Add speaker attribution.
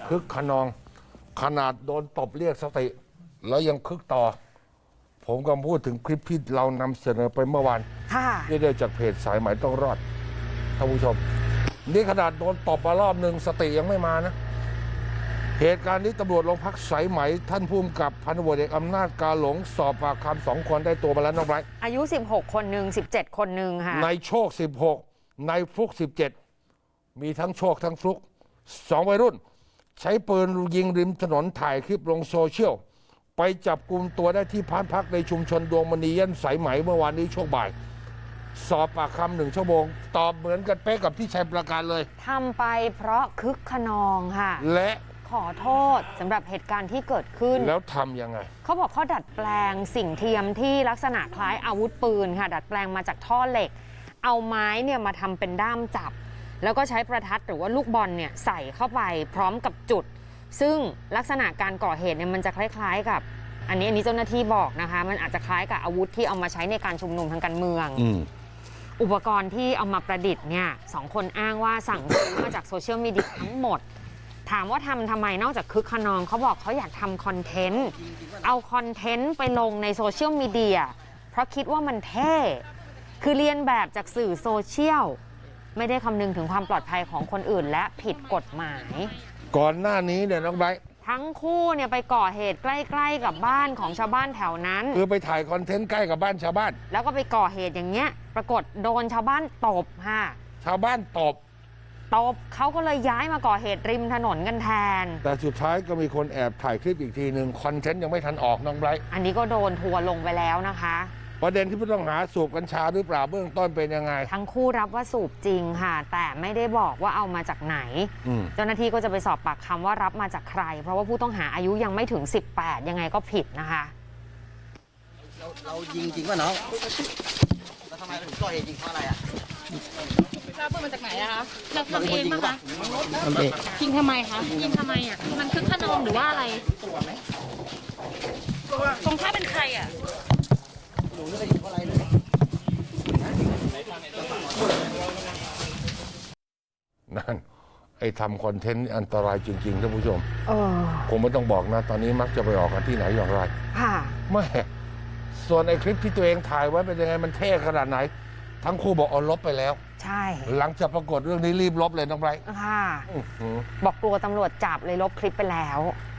Speaker 1: คึกขนองขนาดโดนตบเรียกสติแล้วยังคึกต่อผมก็พูดถึงคลิปที่เรานำเสนอไปเมื่อวานที่ได้จากเพจสายไหมต้องรอดท่านผู้ชมนี่ขนาดโดนตบมารอบหนึ่งสติยังไม่มานะเหตุการณ์นี้ตำรวจโรงพักสายไหมท่านผู้กำกับพันตำรวจเอกอำนาจกาหลงสอบปากคำ2 คนได้ตัวมาแล้วน้องไบรท์
Speaker 2: อายุ16คนหนึ่ง17คนหนึ่งค่ะ
Speaker 1: ในโชค16ในฟลุก17มีทั้งโชคทั้งฟลุก2วัยรุ่นใช้ปืนยิงริมถนนถ่ายคลิปลงโซเชียลไปจับกลุ่มตัวได้ที่บ้านพักในชุมชนดวงมณีย่านสายไหมเมื่อวานนี้ช่วงบ่ายสอบปากคำ1 ชั่วโมงตอบเหมือนกันเป๊ะกับที่ชัยประการเลย
Speaker 2: ทำไปเพราะคึกขนองค่ะ
Speaker 1: และ
Speaker 2: ขอโทษสำหรับเหตุการณ์ที่เกิดขึ้น
Speaker 1: แล้วทำยังไง
Speaker 2: เขาบอกเขาดัดแปลงสิ่งเทียมที่ลักษณะคล้ายอาวุธปืนค่ะดัดแปลงมาจากท่อเหล็กเอาไม้เนี่ยมาทำเป็นด้ามจับแล้วก็ใช้ประทัดหรือว่าลูกบอลเนี่ยใส่เข้าไปพร้อมกับจุดซึ่งลักษณะการก่อเหตุเนี่ยมันจะคล้ายๆกับอันนี้เจ้าหน้าที่บอกนะคะมันอาจจะคล้ายกับอาวุธที่เอามาใช้ในการชุมนุมทางการเมืองอุปกรณ์ที่เอามาประดิษฐ์เนี่ย2 คนอ้างว่าสั่งซื้อมาจากโซเชียลมีเดียทั้งหมดถามว่าทำไมนอกจากคึกขนองเขาบอกเขาอยากทำคอนเทนต์เอาคอนเทนต์ไปลงในโซเชียลมีเดียเพราะคิดว่ามันเท่คือเรียนแบบจากสื่อโซเชียลไม่ได้คำนึงถึงความปลอดภัยของคนอื่นและผิดกฎหมาย
Speaker 1: ก่อนหน้านี้เนี่ยน้องไบร์ท
Speaker 2: ทั้งคู่เนี่ยไปก่อเหตุใกล้ๆกับบ้านของชาวบ้านแถวนั้น
Speaker 1: คือไปถ่ายคอนเทนต์ใกล้กับบ้านชาวบ้าน
Speaker 2: แล้วก็ไปก่อเหตุอย่างเงี้ยปรากฏโดนชาวบ้านตบค่ะ
Speaker 1: ชาวบ้านตบ
Speaker 2: เขาก็เลยย้ายมาก่อเหตุริมถนนกันแทน
Speaker 1: แต่สุดท้ายก็มีคนแอบถ่ายคลิปอีกทีหนึ่งคอนเทนต์ยังไม่ทันออกน้องไบรท์
Speaker 2: อันนี้ก็โดนทัวร์ลงไปแล้วนะคะ
Speaker 1: ประเด็นที่ผู้ต้องหาสูบกัญชาหรือเปล่าเบื้องต้นเป็นยังไง
Speaker 2: ทั้งคู่รับว่าสูบจริงค่ะแต่ไม่ได้บอกว่าเอามาจากไหนเจ้าหน้าที่ก็จะไปสอบปากคำว่ารับมาจากใครเพราะว่าผู้ต้องหาอายุยังไม่ถึง18ยังไงก็ผิดนะคะ
Speaker 3: เรายิงจริงป่ะน้องแล้วทำไมถึงก่อเหตุยิงเพราะอะไรอ่ะ
Speaker 4: ทราบว่ามาจากไหนอะคะเราทำเองป่ะคะยิงทำไมคะยิงทำไมอ่ะมันคึกขนองหรือว่าอะไรตรงท่าเป็นใครอ่ะ
Speaker 3: หนูไม่ได้ยิงเพราะอะไรเลย
Speaker 1: นั่นไอ้ทำคอนเทนต์อันตรายจริงๆท่านผู้ชมผมไม่ต้องบอกนะตอนนี้มักจะไปออกกันที่ไหนอย่างไรไม่ส่วนไอ้คลิปที่ตัวเองถ่ายไว้เป็นยังไงมันเท่ขนาดไหนทั้งคู่บอกเอาลบไปแล้ว
Speaker 2: ใช่
Speaker 1: หลังจากปรากฏเรื่องนี้รีบลบเลยน้องไบรท์
Speaker 2: ค่ะบอกกลัวตำรวจจับเลยลบคลิปไปแล้ว